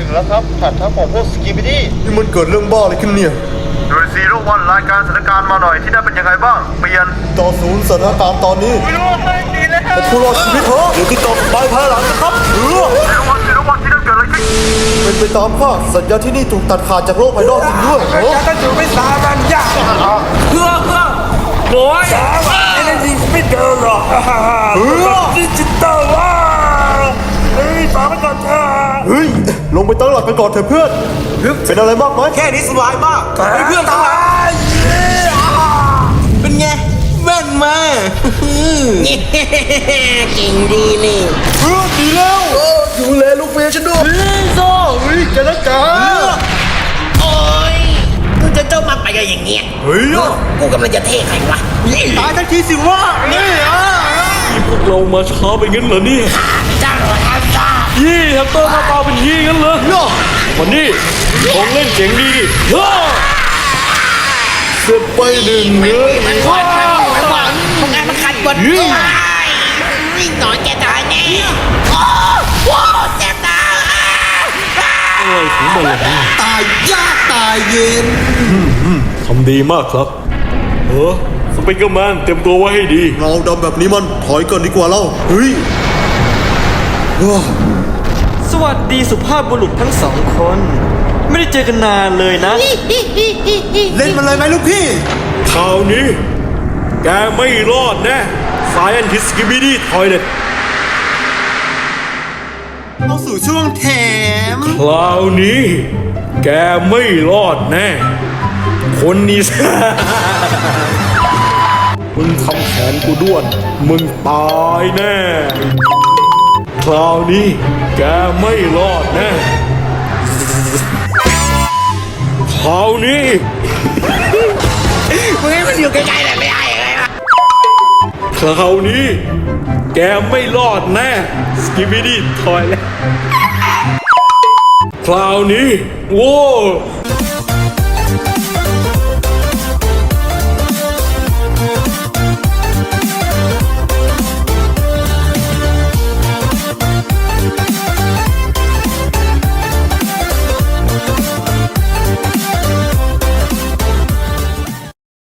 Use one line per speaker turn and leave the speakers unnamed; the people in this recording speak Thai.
แล้วครับผ่านทัพของพวกสกิบิดี้
นี่มันเกิดเรื่องบ้าอะไรขึ้นเนี่ย
โดยซีโร่วันรายการสถานการณ์มาหน่อยที่นั่นเป็นยังไงบ้างเปลี่ยน
ต่อศูนย์สถานการณ์ตอนนี้
ไม่รู้ว่าไม่ดีแล้ว
เป็นผู้รอดชีวิตเถอะเดี๋ยวติดต่อไปภายหลังนะครับ
ซีโร่วันที่นั่นเกิดอะไรขึ้น
เป็นไปตามคาดสัญญาณที่นี่ถูกตัดขาดจากโลกภายนอกจริงด้วยเหรอ
ก็อยู่ไม่สามันยากเพื่อโอ้ยไอ้นั่นยิงไม่เดินหรอกดิจิตอลว่ะเฮ้ยฝากไปก่อนเถอะ
เฮ้ยลงไปตั้งหลักกันก่อนเถอะเพื่อนเป็นอะไรมากไหม
แค่นี้สบายมากเพื่อนทั้งหลาย
เป็นไงแว่นมาเก่งดีนี่
เพื่อนดีแล้วดูแลลูกเมียฉันด้วยโซ่เฮ้ยแกนักกา
โอ้ยมึงจะเจ้ามาไปกันอย่างเงี้ย
เฮ้ย
กูกำลังจะเท่ใครวะ
ตายทันทีสิวะนี่
พวกเรามาช้าไปงั้นเหรอเนี่ย
เจ้าอาซา
ยี่แฮมสเตอร์หน้าตาเป็นยี่งั้นเหรอวันนี้ของเล่นเจ๋งดีดิฮ่า
เสร็จไปหนึ่งเนื้อ
มันขวานมึงไงมันขัดบนวิ่งหน่อยแกตายแน่โอ้โหเจ็บตา
อะไรของมันล่ะ
ตายยากตายเย็น
ทำดีมากครับสไปเกอร์แมนเตรียมตัวไว้ให้ดี
เราดำแบบนี้มันถอยก่อนดีกว่าเราเฮ้ย
สวัสดีสุภาพบุรุษทั้งสองคน ไม่ได้เจอกันนานเลยนะ
เล่นมันเลยไหมลูกพี่
คราวนี้ แกไม่รอดแน่ Scientist Skibidi Toilet
เข้าสู่ช่วงแถม
คราวนี้ แกไม่รอดแน่ คนนี้ มึงทำแขนกูด้วน มึงตายแน่ คราวนี้ แกไม่รอดแน่ คราวนี้
มึงให้มันอยู่ใกล้ๆหน่อยไม่ได้เลยวะ
คราวนี้ แกไม่รอดแน่ สกิบิดี้ทอยแล้วคราวนี้ โว้